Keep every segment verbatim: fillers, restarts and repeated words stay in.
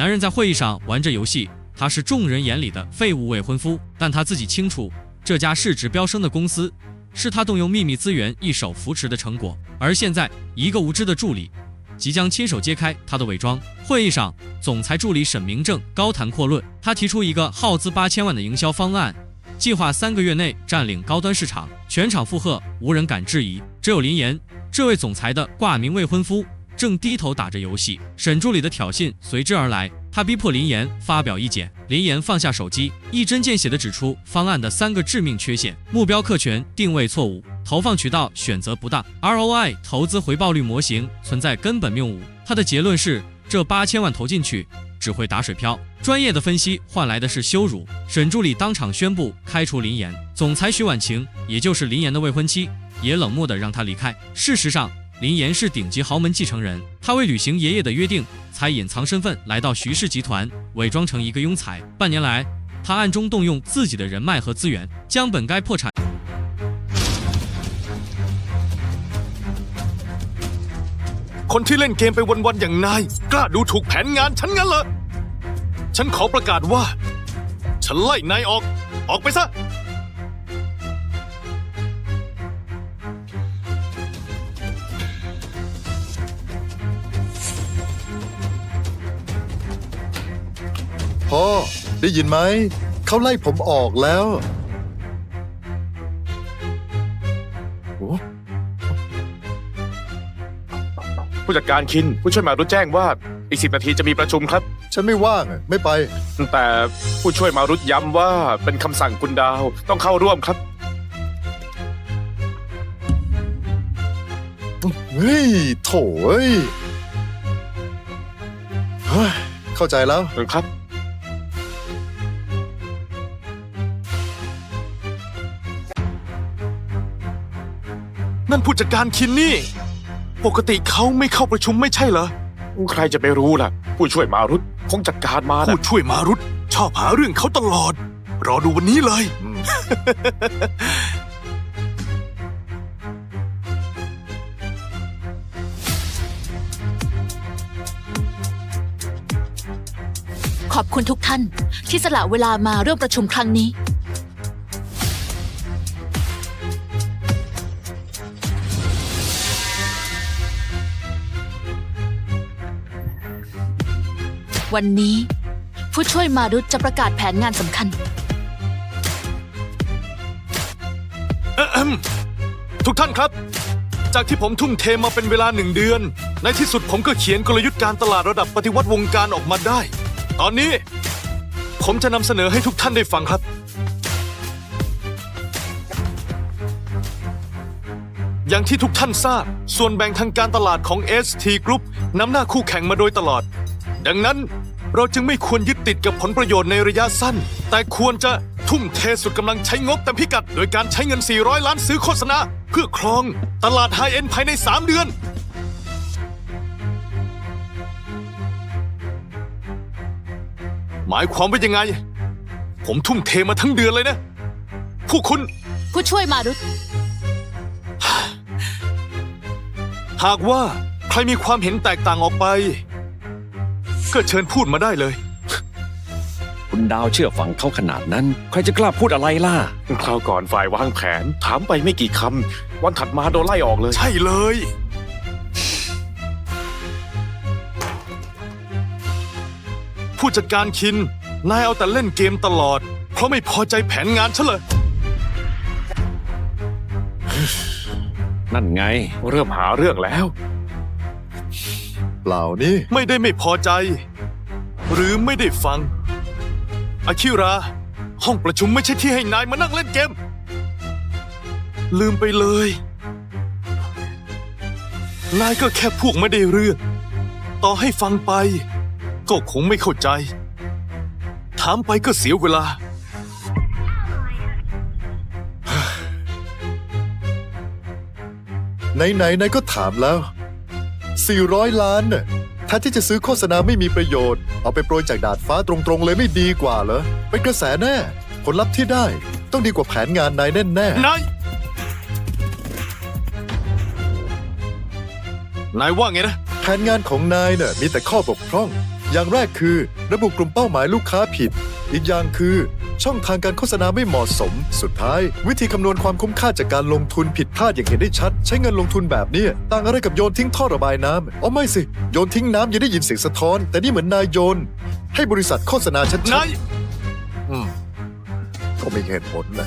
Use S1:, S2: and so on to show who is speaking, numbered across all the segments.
S1: 男人在会议上玩着游戏，他是众人眼里的废物未婚夫，但他自己清楚，这家市值飙升的公司是他动用秘密资源一手扶持的成果。而现在，一个无知的助理即将亲手揭开他的伪装。会议上，总裁助理沈明正高谈阔论，他提出一个耗资八千万的营销方案，计划三个月内占领高端市场，全场附和，无人敢质疑。只有林岩，这位总裁的挂名未婚夫，正低头打着游戏。沈助理的挑衅随之而来，他逼迫林岩发表意见。林岩放下手机，一针见血地指出方案的三个致命缺陷：目标客群定位错误，投放渠道选择不当 ，R O I 投资回报率模型存在根本谬误。他的结论是，这八千万投进去只会打水漂。专业的分析换来的是羞辱。沈助理当场宣布开除林岩。总裁徐婉晴，也就是林岩的未婚妻，也冷漠地让他离开。事实上，林岩是顶级豪门继承人，他为履行爷爷的约定，才隐藏身份来到徐氏集团，伪装成一个庸才。半年来，他暗中动用自己的人脉和资源，将本该破产。
S2: คนที่เล่นเกมไปวันๆอย่างนายกล้าดูถูกแผนงานฉันงั้นเหรอฉันขอประกาศว่าฉันไล่นายออกออกไปซะ
S3: พ่อได้ยินไหมเขาไล่ผมออกแล้วโอ้
S2: ผู้จัดการคินผู้ช่วยมารุตแจ้งว่าอีกสิบนาทีจะมีประชุมครับ
S3: ฉันไม่ว่างไม่ไป
S2: แต่ผู้ช่วยมารุตย้ำว่าเป็นคำสั่งคุณดาวต้องเข้าร่วมครับ
S3: เฮ้ยโถ่เอ้ยเข้าใจแล้ว
S2: ครับนั่นผู้จัดการคินนี่ปกติเขาไม่เข้าประชุมไม่ใช่เหรอใครจะไปรู้ล่ะผู้ช่วยมารุตคงจัดการมาผู้ช่วยมารุตชอบหาเรื่องเขาตลอดรอดูวันนี้เลย
S4: ขอบคุณทุกท่านที่สละเวลามาร่วมประชุมครั้งนี้วันนี้ผู้ช่วยมารุตจะประกาศแผนงานสำคัญ
S2: ทุกท่านครับจากที่ผมทุ่มเทมาเป็นเวลาหนึ่งเดือนในที่สุดผมก็เขียนกลยุทธ์การตลาดระดับปฏิวัติวงการออกมาได้ตอนนี้ผมจะนำเสนอให้ทุกท่านได้ฟังครับอย่างที่ทุกท่านทราบส่วนแบ่งทางการตลาดของ เอส ที Group นำหน้าคู่แข่งมาโดยตลอดดังนั้นเราจึงไม่ควรยึดติดกับผลประโยชน์ในระยะสั้นแต่ควรจะทุ่มเทสุดกำลังใช้งบเต็มพิกัดโดยการใช้เงินสี่ร้อยล้านซื้อโฆษณาเพื่อครองตลาดไฮเอ็นด์ภายในสามเดือนหมายความว่ายังไงผมทุ่มเทมาทั้งเดือนเลยนะผู้คุณ
S4: ผู้ช่วยมารุต
S2: หากว่าใครมีความเห็นแตกต่างออกไปก็เชิญพูดมาได้เลย
S5: คุณดาวเชื่อฟังเขาขนาดนั้นใครจะกล้าพูดอะไรล่ะ
S2: คราวก่อนฝ่ายวางแผนถามไปไม่กี่คำวันถัดมาโดนไล่ออกเลยใช่เลยผู้จัดการคินนายเอาแต่เล่นเกมตลอดเพราะไม่พอใจแผนงานฉันเลย
S5: นั่นไง
S2: เริ่มหาเรื่องแล้ว
S3: เปล่านี่
S2: ไม่ได้ไม่พอใจหรือไม่ได้ฟังอาคิราห้องประชุมไม่ใช่ที่ให้นายมานั่งเล่นเกมลืมไปเลยนายก็แค่พวกไม่ได้เรื่องต่อให้ฟังไปก็คงไม่เข้าใจถามไปก็เสียเวลา
S3: ไหนๆนายก็ถามแล้วสี่ร้อยล้านน่ะแทนที่จะซื้อโฆษณาไม่มีประโยชน์เอาไปโปรยจากดาดฟ้าตรงๆเลยไม่ดีกว่าเหรอเป็นกระแสแน่ผลลัพธ์ที่ได้ต้องดีกว่าแผนงานนายแน่แน่
S2: นายนายว่าไงนะ
S3: แผนงานของนายน่ะมีแต่ข้อบกพร่องอย่างแรกคือระบุกลุ่มเป้าหมายลูกค้าผิด อีกอย่างคือช่องทางการโฆษณาไม่เหมาะสม สุดท้าย วิธีคำนวณความคุ้มค่าจากการลงทุนผิดพลาดอย่างเห็นได้ชัด ใช้เงินลงทุนแบบนี้ต่างอะไรกับโยนทิ้งท่อระบายน้ำอ๋อไม่สิ โยนทิ้งน้ำยังได้ยินเสียงสะท้อน แต่นี่เหมือนนายโยน ให้บริษัทโฆษณาชัด
S2: นาย
S3: ๆอืมก็ไม่เห็นผลนะ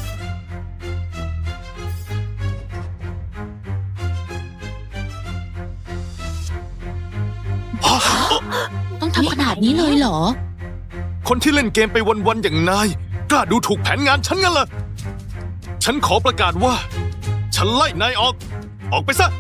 S4: ต้องทำขนาดนี้เลยเหรอ
S2: คนที่เล่นเกมไปวันๆอย่างนาย กล้าดูถูกแผนงานฉันงั้นเหรอฉันขอประกาศว่า ฉันไล่นายออก ออกไปซะ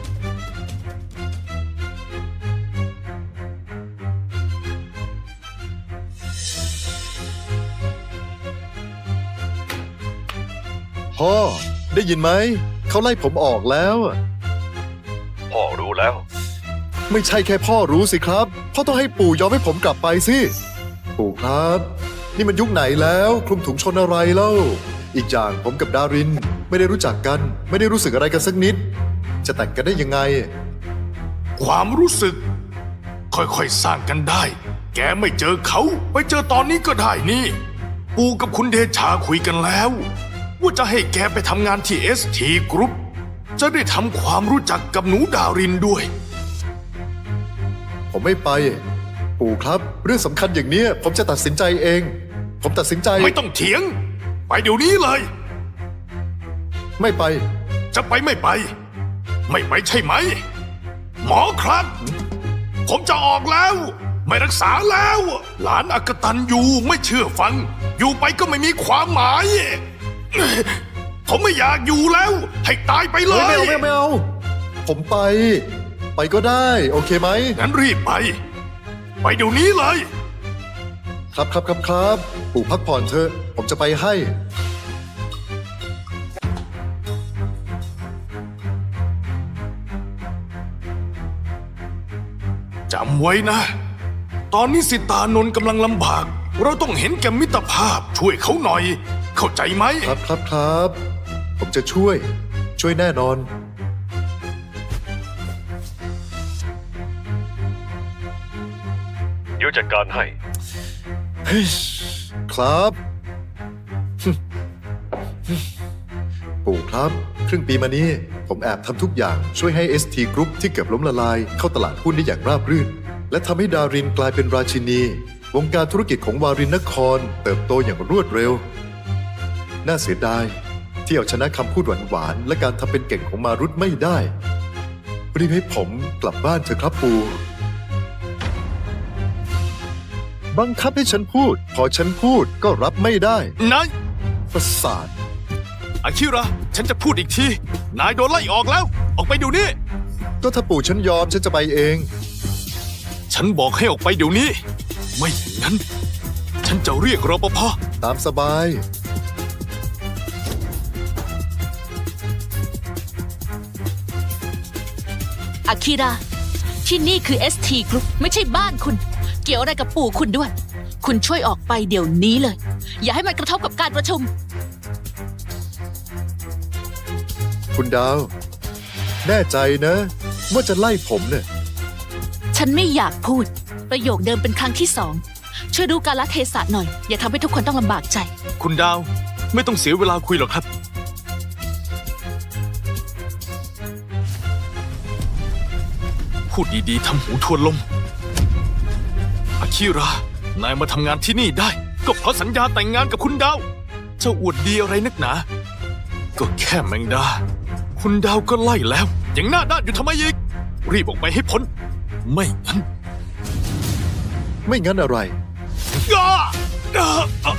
S3: พ่อ ได้ยินไหม เขาไล่ผมออกแล้ว
S5: พ่อรู้แล้ว
S3: ไม่ใช่แค่พ่อรู้สิครับ พ่อต้องให้ปู่ยอมให้ผมกลับไปสิ ปู่ครับ นี่มันยุคไหนแล้วคลุมถุงชนอะไรเล่า อีกอย่างผมกับดารินไม่ได้รู้จักกัน ไม่ได้รู้สึกอะไรกันสักนิด จะแต่งกันได้ยังไง
S2: ความรู้สึก ค่อยๆสร้างกันได้ แกไม่เจอเขา ไปเจอตอนนี้ก็ได้นี่ ปูกับคุณเดชาคุยกันแล้ว ว่าจะให้แกไปทำงานที่ เอส ที Group จะได้ทำความรู้จักกับหนูดารินด้วย
S3: ผมไม่ไป ปู่ครับ เรื่องสำคัญอย่างเนี้ยผมจะตัดสินใจเอง ผมตัดสินใจ
S2: ไม่ต้องเถียง ไปเดี๋ยวนี้เลย
S3: ไม่ไป
S2: จะไปไม่ไป ไม่ไปใช่ไหม หมอครับ ผมจะออกแล้ว ไม่รักษาแล้ว หลานอกตันอยู่ไม่เชื่อฟัง อยู่ไปก็ไม่มีความหมาย ผมไม่อยากอยู่แล้ว ให้ตายไปเล
S3: เฮ้ย
S2: ย
S3: ไม่เอาไม่เอาไม่เอา ผมไป ไปก็ได้ โอเคไหม
S2: งั้นรีบไป ไปเดี๋ยวนี้เลย
S3: ครับครับครับครับ ปู่พักผ่อนเถอะ ผมจะไปให้
S2: จำไว้นะ ตอนนี้สิตานนท์กำลังลำบาก เราต้องเห็นแก่มิตรภาพช่วยเขาหน่อย เข้าใจไหม
S3: ครับครับครับ ผมจะช่วย ช่วยแน่นอน
S5: เดี๋ยวจัดการให้
S3: ครับ ปู่ครับ ครึ่งปีมานี้ ผมแอบทำทุกอย่างช่วยให้ เอส ที Group ที่เกือบล้มละลาย เข้าตลาดหุ้นได้อย่างราบรื่น และทำให้ดารินกลายเป็นราชินี วงการธุรกิจของวารินนคร เติบโตอย่างรวดเร็ว น่าเสียดาย ที่เอาชนะคำพูดหวานๆและการทำเป็นเก่งของมารุตไม่ได้รีบให้ผมกลับบ้านเถอะครับปู่ บังคับให้ฉันพูด พอฉันพูดก็รับไม่ได้
S2: นาย
S3: ประสาท
S2: อาคิระ ฉันจะพูดอีกที นายโดนไล่ออกแล้ว ออกไปเดี๋ยวนี้
S3: ก็ถ้าปู่ฉันยอมฉันจะไปเอง
S2: ฉันบอกให้ออกไปเดี๋ยวนี้ ไม่อย่างนั้น ฉันจะเรียกรปภ
S3: ตามสบาย
S4: อาคิระ ที่นี่คือ เอส ที Group ไม่ใช่บ้านคุณ เกี่ยวอะไรกับปู่คุณด้วย คุณช่วยออกไปเดี๋ยวนี้เลย อย่าให้มันกระทบกับการประชุม
S3: คุณดาว แน่ใจนะ ว่าจะไล่ผมเนี่ย
S4: ฉันไม่อยากพูด ประโยคเดิมเป็นครั้งที่สอง ช่วยดูกาลเทศะหน่อย อย่าทำให้ทุกคนต้องลำบากใจ
S2: คุณดาว ไม่ต้องเสียเวลาคุยหรอกครับ พูดดีๆทำหูทวนลม อาคิระ นายมาทำงานที่นี่ได้ ก็เพราะสัญญาแต่งงานกับคุณดาว เจ้าอวดดีอะไรนักหนา ก็แค่แมงดา คุณดาวก็ไล่แล้ว ยังหน้าด้านอยู่ทำไมอีก รีบออกไปให้พ้น ไม่งั้น
S3: ไม่งั้นอะไร
S2: อ้าอ้าอ่ะ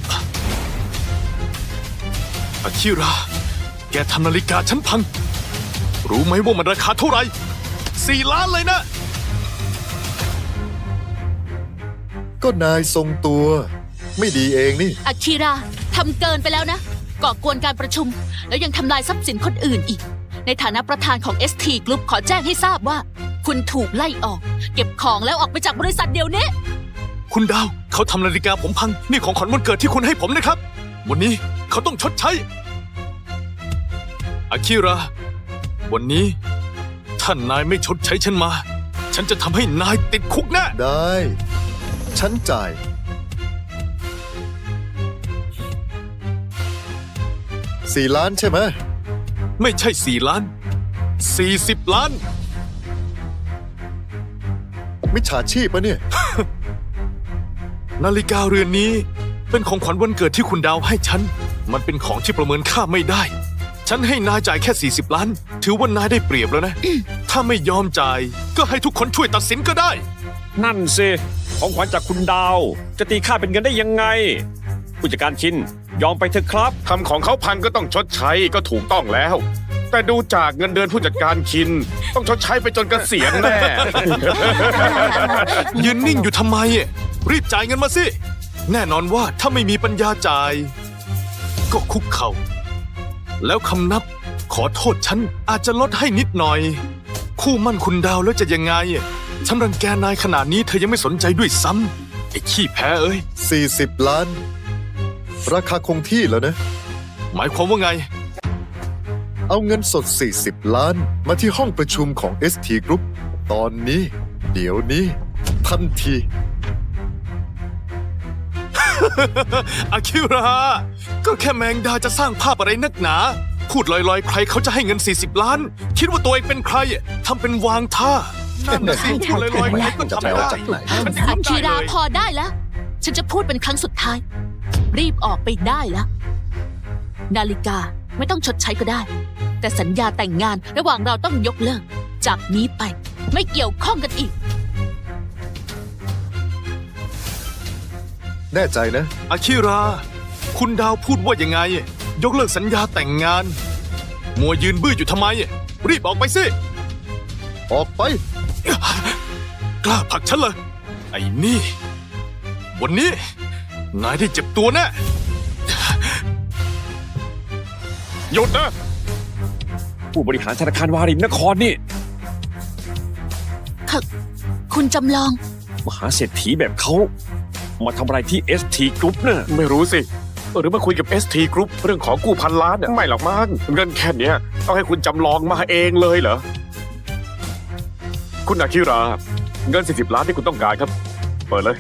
S2: อาคิระ แกทำนาฬิกาฉันพัง รู้ไหมว่ามันราคาเท่าไหร่สี่ล้านเลยนะ
S3: ก็นายทรงตัว ไม่ดีเองนี่
S4: อาคิระทำเกินไปแล้วนะ ก่อกวนการประชุม แล้วยังทำลายทรัพย์สินคนอื่นอีก ในฐานะประธานของ เอส ที Group ขอแจ้งให้ทราบว่า คุณถูกไล่ออก เก็บของแล้วออกไปจากบริษัทเดี๋ยวนี้
S2: คุณดาว เขาทำนาฬิกาผมพัง นี่ของขวัญวันเกิดที่คุณให้ผมนะครับ วันนี้เขาต้องชดใช้ อาคิระ วันนี้ท่านนายไม่ชดใช้ฉันมา ฉันจะทำให้นายติดคุกแน่
S3: ได้ฉันจ่าย สี่ล้านใช่ไหม
S2: ไม่ใช่สี่ล้านสี่สิบล้าน
S3: มิจฉาชีพปะเนี่ย
S2: นาฬิกาเรือนนี้เป็นของขวัญวันเกิดที่คุณดาวให้ฉัน มันเป็นของที่ประเมินค่าไม่ได้ ฉันให้นายจ่ายแค่สี่สิบล้าน ถือว่านายได้เปรียบแล้วนะ ถ้าไม่ยอมจ่าย ก็ให้ทุกคนช่วยตัดสินก็ได้
S5: นั่นสิของขวัญจากคุณดาว จะตีค่าเป็นเงินได้ยังไง ผู้จัดการชินยอมไปเถอะครับ
S6: ทำของเขาพังก็ต้องชดใช้ก็ถูกต้องแล้ว แต่ดูจากเงินเดือนผู้จัดการคิน ต้องชดใช้ไปจนเกษียณแน่
S2: ยืนนิ่งอยู่ทำไมอะรีบจ่ายเงินมาสิ แน่นอนว่าถ้าไม่มีปัญญาจ่าย ก็คุกเข่า แล้วคำนับขอโทษฉันอาจจะลดให้นิดหน่อย คู่มั่นคุณดาวแล้วจะยังไงอะฉันรังแกนายขนาดนี้เธอยังไม่สนใจด้วยซ้ำไอ้ขี้แพ้เอ้ย
S3: สี่สิบล้าน ราคาคงที่แล้วนะ
S2: หมายความว่าไง
S3: เอาเงินสด สี่สิบ ล้าน มาที่ห้องประชุมของ เอส ที Group ตอนนี้ เดี๋ยวนี้ ทันที
S2: อาคิรา ก็แค่แมงดาจะสร้างภาพอะไรนักหนา พูดลอยๆ ใครเขาจะให้เงิน สี่สิบ ล้าน คิดว่าตัวเองเป็นใครทำเป็นวางท่า นั่นน่ะสิพูดลอยๆใครก็ทำได้
S3: จะไปเอาจากไหน
S2: ฉัน
S4: อา
S2: เข้าใจ
S4: คิรา
S2: เลย
S4: พอได้แล้ว ฉันจะพูดเป็นครั้งสุดท้าย รีบออกไปได้แล้ว นาฬิกาไม่ต้องชดใช้ก็ได้ แต่สัญญาแต่งงานระหว่างเราต้องยกเลิก จากนี้ไปไม่เกี่ยวข้องกันอีก
S3: แน่ใจนะ
S2: อาคิรา คุณดาวพูดว่ายังไง ยกเลิกสัญญาแต่งงาน มัวยืนบื้ออยู่ทำไม รีบออกไปสิ
S3: ออกไป
S2: กล้าผลักฉันเลยไอ้นี่ วันนี้ นายได้เจ็บตัวแน่
S6: หยุดนะ
S5: ผู้บริหารธนาคารวารินนครนี่
S4: ค่ะ คุณจำลอง
S5: มหาเศรษฐีแบบเขา มาทำอะไรที่ เอส ที Group น่ะ
S6: ไม่รู้สิ หรือมาคุยกับ เอส ที Group เรื่องของกู้พันล้านเนี่ยไม่หรอกมั้งเงินแค่เนี้ยต้องให้คุณจำลองมาเองเลยเหรอ คุณอาคิรา เงิน สี่สิบ ล้านที่คุณต้องการครับ เปิดเลย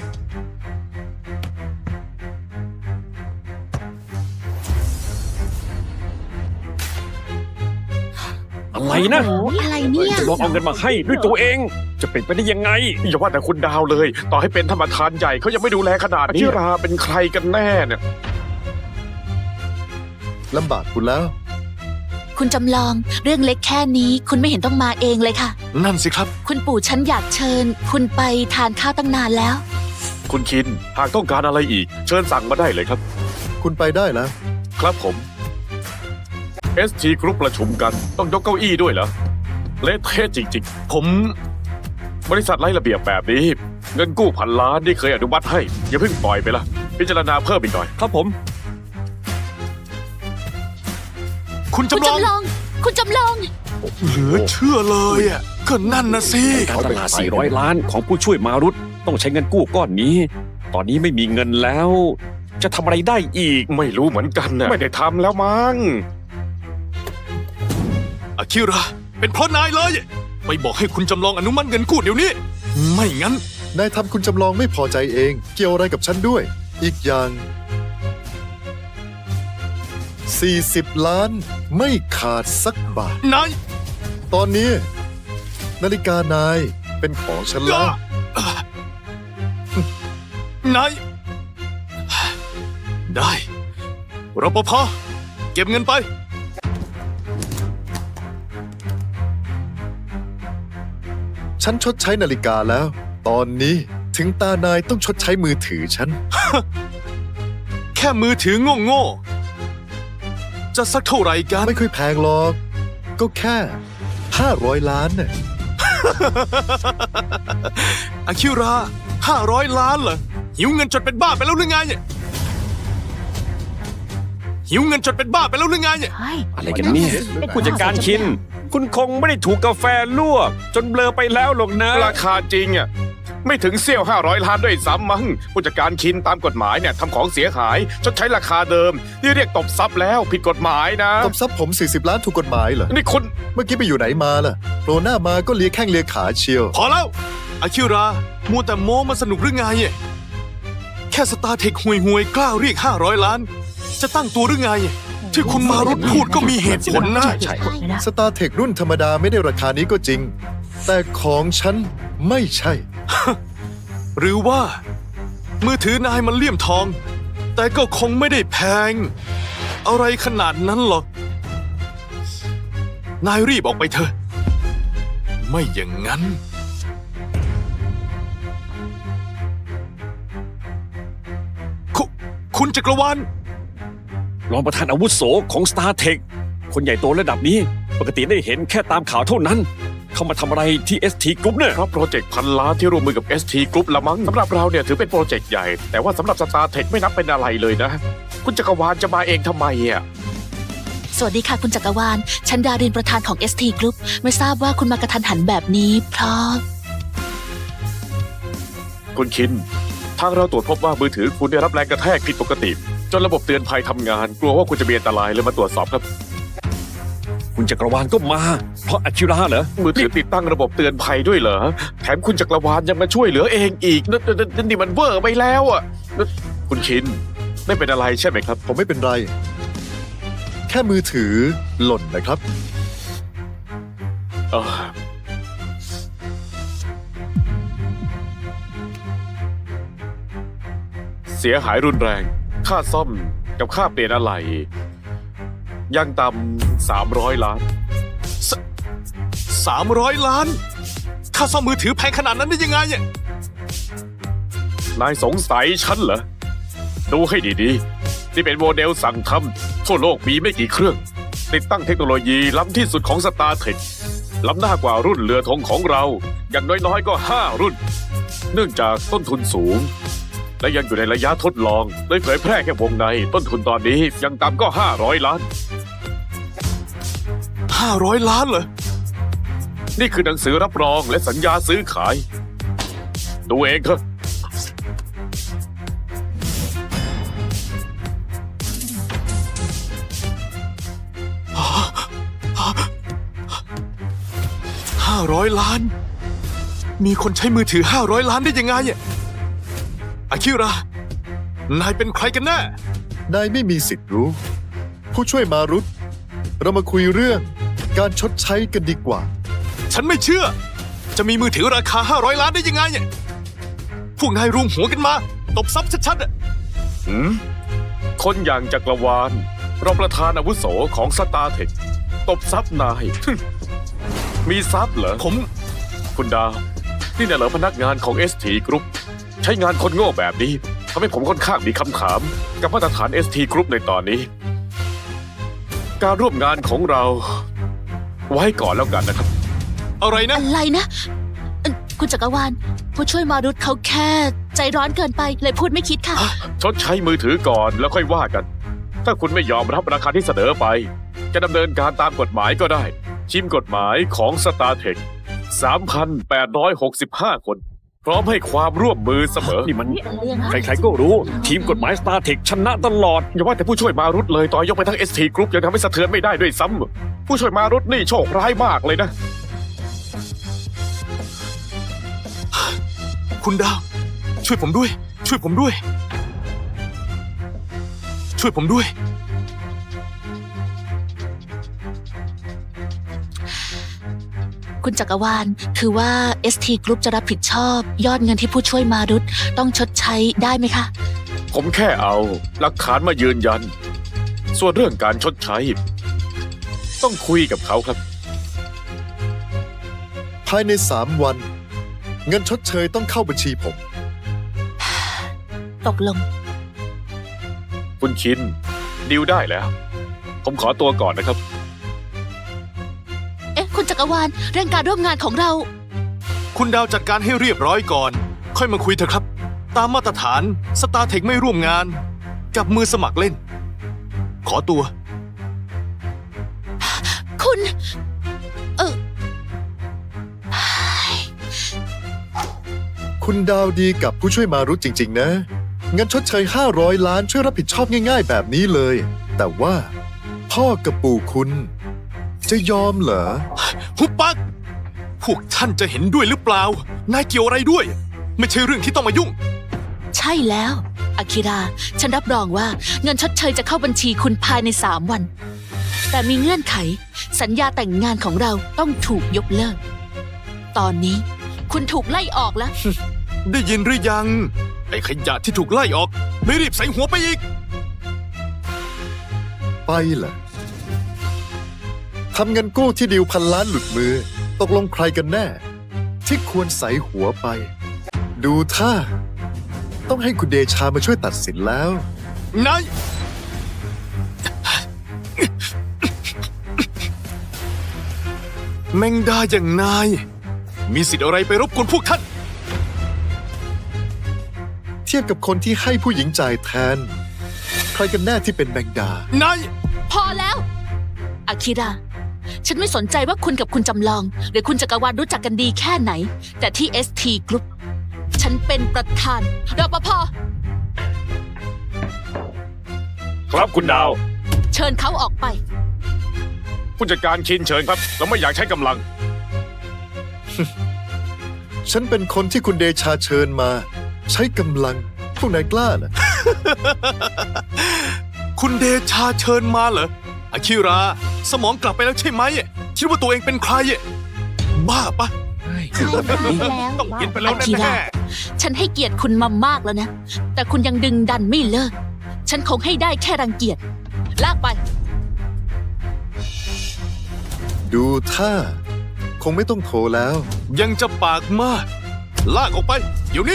S5: อะไรนะ
S4: อะไรเนี่ย
S5: จะลองเอาเงินมาให้ด้วยตัวเอง จะเป็นไปได้ยังไง
S6: อย่าว่าแต่คุณดาวเลย ต่อให้เป็นธรรมทานใหญ่เขายังไม่ดูแลขนาดนี้อาคิราเป็นใครกันแน่เนี่ย
S3: ลำบากคุณแล้ว
S4: คุณจำลอง เรื่องเล็กแค่นี้คุณไม่เห็นต้องมาเองเลยค่ะ
S2: นั่นสิครับ
S4: คุณปู่ฉันอยากเชิญ คุณไปทานข้าวตั้งนานแล้ว
S6: คุณคิน หากต้องการอะไรอีก เชิญสั่งมาได้เลยครับ
S3: คุณไปได้แล้ว
S6: ครับผม เอส ที Group ประชุมกันต้องยกเก้าอี้ด้วยเหรอ เละเทะจริง
S2: ผม
S6: ๆ บริษัทไร้ระเบียบแบบนี้ เงินกู้พันล้านที่เคยอนุมัติให้ อย่าเพิ่งปล่อยไปละพิจารณาเพิ่มอีกหน่อย
S5: ครับผม
S2: คุณ
S4: คุณ
S2: จำลอง
S4: จำลอง คุณจำลอง
S2: เหลือเชื่อเลยอ่ะก็นั่นนะสิ
S5: การตลาด สี่ร้อย ล้านของผู้ช่วยมารุตต้องใช้เงินกู้ก้อนนี้ ตอนนี้ไม่มีเงินแล้ว จะทำอะไรได้อีก
S6: ไม่รู้เหมือนกันนะไม่ได้ทำแล้วมั้ง
S2: อาคิระ เป็นเพราะนายเลย ไปบอกให้คุณจำลองอนุมัติเงินกู้เดี๋ยวนี้ ไม่งั้น
S3: นายทำคุณจำลองไม่พอใจเอง เกี่ยวอะไรกับฉันด้วย อีกอย่าง สี่สิบ ล้าน ไม่ขาดสักบาท
S2: นาย
S3: ตอนนี้ นาฬิกานายเป็นของฉันแล้ว
S2: นาย ได้รปภเก็บเงินไป
S3: ฉันชดใช้นาฬิกาแล้ว ตอนนี้ถึงตานายต้องชดใช้มือถือฉัน
S2: แค่มือถือโง่ๆ จะสักเท่าไหร่กัน
S3: ไม่ค่อยแพงหรอก ก็แค่ห้าร้อยล้านน่ะ
S2: อาคิระห้าร้อยล้านเหรอ หิวเงินจนเป็นบ้าไปแล้วหรือไง หิวเงินจนเป็นบ้าไปแล้วหรือไง
S5: อะไรกันเนี่ย ผู้จัดการชิน คุณคงไม่ได้ถูกกาแฟลวก จนเบลอไปแล้วหรอกนะ
S6: ราคาจริงอ่ะไม่ถึงเสี้ยวห้าร้อยล้านด้วยซ้ำมั้งผู้จัดการคินตามกฎหมายเนี่ยทำของเสียหายชดใช้ราคาเดิมนี่เรียกตบทรัพย์แล้วผิดกฎหมายนะ
S3: ตบทรัพย์ผม สี่สิบ ล้านถูกกฎหมายเหรอ
S6: นี่คุณ
S3: เมื่อกี้ไปอยู่ไหนมาล่ะโผล่หน้ามาก็เลียแข้งเลียขาเชียว
S2: พอแล้ว อาคิระมัวแต่โม้มาสนุกหรือไงแค่สตาร์เทคห่วยห่วยๆกล้าเรียกห้าร้อยล้าน จะตั้งตัวหรือไง ที่คุณมารุตพูดก็มีเหตุผลนะ
S5: ใช่
S3: สตาร์เทครุ่นธรรมดาไม่ได้ราคานี้ก็จริง แต่ของฉันไม่ใช่
S2: หรือว่า มือถือนายมันเลี่ยมทอง แต่ก็คงไม่ได้แพง อะไรขนาดนั้นหรอก นายรีบออกไปเถอะ ไม่อย่างนั้น คุคุณจักรวาล
S5: รองประธานอาวุโสของ StarTech คนใหญ่โตระดับนี้ ปกติได้เห็นแค่ตามข่าวเท่านั้น เข้ามาทำอะไรที่ เอส ที Group เนี่ย
S6: เพราะโปรเจกต์พันล้านที่ร่วมมือกับ เอส ที Group ละมั้งสำหรับเราเนี่ยถือเป็นโปรเจกต์ใหญ่ แต่ว่าสำหรับ StarTech ไม่นับเป็นอะไรเลยนะ คุณจักรวาลจะมาเองทำไมอ่ะ
S4: สวัสดีค่ะคุณจักรวาล ฉันดารินประธานของ เอส ที Group ไม่ทราบว่าคุณมากระทันหันแบบนี้ เพราะ
S6: คุณคิน ทางเราตรวจพบว่ามือถือคุณได้รับแรงกระแทกผิดปกติ จนระบบเตือนภัยทำงาน กลัวว่าคุณจะมีอันตรายเลยมาตรวจสอบครับ
S5: คุณจักรวาลก็มา เพราะอาคิระเหรอ
S6: มือถือติดตั้งระบบเตือนภัยด้วยเหรอ แถมคุณจักรวาลยังมาช่วยเหลือเองอีกนั่นนั่นนั่นนี่มันเวอร์ไปแล้วอ่ะนั่นคุณคิน ไม่เป็นอะไรใช่ไหมครับ
S3: ผมไม่เป็นไร แค่มือถือหล่นนะครับ
S6: เออเสียหายรุนแรง ค่าซ่อมกับค่าเปลี่ยนอะไหล่ยังต่ำสามร้อยล้าน
S2: สามร้อยล้าน ค่าซ่อมมือถือแพงขนาดนั้นได้ยังไงเนี่ย
S6: นายสงสัยฉันเหรอ ดูให้ดีๆ นี่เป็นโมเดลสั่งทำทั่วโลกมีไม่กี่เครื่อง ติดตั้งเทคโนโลยีล้ำที่สุดของ StarTech ล้ำหน้ากว่ารุ่นเรือธงของเรา อย่างน้อยๆก็ห้ารุ่น เนื่องจากต้นทุนสูง และยังอยู่ในระยะทดลองเลยเผยแพร่แค่วงใน ต้นทุนตอนนี้ยังต่ำก็ห้าร้อยล้าน
S2: ห้าร้อยล้านเหรอ
S6: นี่คือหนังสือรับรองและสัญญาซื้อขาย ดูเองเถอะ
S2: ห้าร้อยล้าน มีคนใช้มือถือห้าร้อยล้านได้ยังไงเนี่ยอาคิระ นายเป็นใครกันแน่
S3: นายไม่มีสิทธิ์รู้ ผู้ช่วยมารุตเรามาคุยเรื่องการชดใช้กันดีกว่า
S2: ฉันไม่เชื่อ จะมีมือถือราคาห้าร้อยล้านได้ยังไงเนี่ย พวกนายรวมหัวกันมา ตบซับชัดๆอะ
S6: หืมคนอย่างจักรวาลรองประธานอาวุโสของ StarTech ตบซับนาย มีซับเหรอ
S2: ผม
S6: คุณดาว นี่น่ะเหรอพนักงานของ เอส ที Group ใช้งานคนโง่แบบนี้ทำให้ผมค่อนข้างมีคำถาม กับมาตรฐาน เอส ที Group ในตอนนี้ การร่วมงานของเรา ไว้ก่อนแล้วกันนะครับ
S2: อะไรนะ
S4: อะไรนะเอ่อคุณจักรวาล ผู้ช่วยมารุตเขาแค่ ใจร้อนเกินไปเลยพูดไม่คิดค่ะ
S6: ชดใช้มือถือก่อนแล้วค่อยว่ากัน ถ้าคุณไม่ยอมรับราคาที่เสนอไป จะดำเนินการตามกฎหมายก็ได้ ชิมกฎหมายของ StarTech สามพันแปดร้อยหกสิบห้า คน พร้อมให้ความร่วมมือเสมอ
S5: นี่มัน
S4: เป็นเรื่องนะ
S5: ใครๆก็รู้ ทีมกฎหมาย StarTech ชนะตลอด
S6: อย่าว่าแต่ผู้ช่วยมารุตเลยต่อยกไปทั้ง เอส ที Group ยังทำให้สะเทือนไม่ได้ด้วยซ้ำผู้ช่วยมารุตนี่โชคร้ายมากเลยนะ
S2: คุณดาว ช่วยผมด้วย ช่วยผมด้วย ช่วยผมด้วย
S4: คุณจักรวาล คือว่า เอส ที Group จะรับผิดชอบ ยอดเงินที่ผู้ช่วยมารุตต้องชดใช้ได้ไหมคะ
S6: ผมแค่เอาหลักฐานมายืนยัน ส่วนเรื่องการชดใช้ ต้องคุยกับเขาครับ
S3: ภายในสามวัน เงินชดเชยต้องเข้าบัญชีผม
S4: ตกลง
S6: คุณชินดิวได้แล้ว ผมขอตัวก่อนนะครับ
S4: เอ๊ะ คุณจักรวาล เรื่องการร่วมงานของเรา
S2: คุณดาวจัดการให้เรียบร้อยก่อน ค่อยมาคุยเถอะครับ ตามมาตรฐาน StarTech ไม่ร่วมงาน กับมือสมัครเล่น ขอตัว
S4: คุณ เออ
S3: คุณดาวดีกับผู้ช่วยมารุตจริง ๆ นะ เงินชดเชยห้าร้อยล้านช่วยรับผิดชอบง่าย ๆ แบบนี้เลย แต่ว่า พ่อกับปู่คุณ จะยอมเหรอ
S2: หุบปัก พวกท่านจะเห็นด้วยหรือเปล่า นายเกี่ยวอะไรด้วย ไม่ใช่เรื่องที่ต้องมายุ่ง
S4: ใช่แล้วอากิระ ฉันรับรองว่าเงินชดเชยจะเข้าบัญชีคุณภายในสามวัน แต่มีเงื่อนไข สัญญาแต่งงานของเราต้องถูกยกเลิก ตอนนี้คุณถูกไล่ออกแล้ว
S2: ได้ยินหรือยัง ไอ้ขยะที่ถูกไล่ออก ไม่รีบใส่หัวไปอีก
S3: ไปเหรอทำเงินกู้ที่ดิวพันล้านหลุดมือ ตกลงใครกันแน่ ที่ควรใส่หัวไป ดูท่า ต้องให้คุณเดชามาช่วยตัดสินแล้ว
S2: นาย แมงดาอย่างนาย มีสิทธิ์อะไรไปรบกวนพวกท่าน
S3: เทียบกับคนที่ให้ผู้หญิงจ่ายแทน ใครกันแน่ที่เป็นแมงดา
S2: นาย
S4: พอแล้ว อากิระ ฉันไม่สนใจว่าคุณกับคุณจำลอง หรือคุณจักรวาลรู้จักกันดีแค่ไหน แต่ที่ เอส ที Group ฉันเป็นประธานรปภ
S5: ครับคุณดาว
S4: เชิญเขาออกไป
S6: ผู้จัดการคินเชิญครับ เราไม่อยากใช้กำลัง
S3: ฉันเป็นคนที่คุณเดชาเชิญมา ใช้กำลัง พวกนายกล้าเหรอ
S2: คุณเดชาเชิญมาเหรออาคิรา สมองกลับไปแล้วใช่ไหมคิดว่าตัวเองเป็นใคร บ้าปะ
S4: ใช่แล้ว
S2: ต้องกินไปแล้ว
S4: อากิ
S2: แน่
S4: ระ ฉันให้เกียรติคุณมามากแล้วนะ แต่คุณยังดึงดันไม่เลิก ฉันคงให้ได้แค่รังเกียจ ลากไป
S3: ดูท่า คงไม่ต้องโทรแล้ว
S2: ๆยังจะปากมาก ลากออกไป เดี๋ยวนี้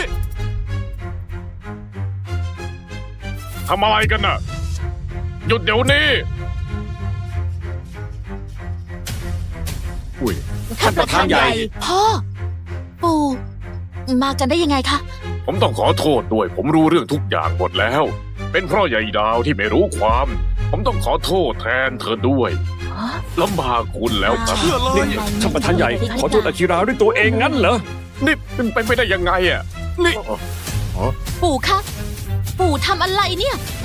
S6: ทำอะไรกันน่ะ หยุดเดี๋ยวนี้
S5: อุ้ย ท่านประธานใหญ่
S4: พ่อ ปู่ มากันได้ยังไงคะ
S6: ผมต้องขอโทษด้วย ผมรู้เรื่องทุกอย่างหมดแล้ว เป็นเพราะใหญ่ดาวที่ไม่รู้ความ ผมต้องขอโทษแทนเธอด้วยลำบากคุณแล้วครับ
S2: เชื่อเลย
S5: นี่ท่านประธานใหญ่ ขอโทษอากิระด้วยตัวเองงั้นเหรอ
S6: นี่เป็นไปไม่ได้ยังไงอ่ะ
S2: นี่
S4: ปู่คะ ปู่ทำอะไรเนี่ย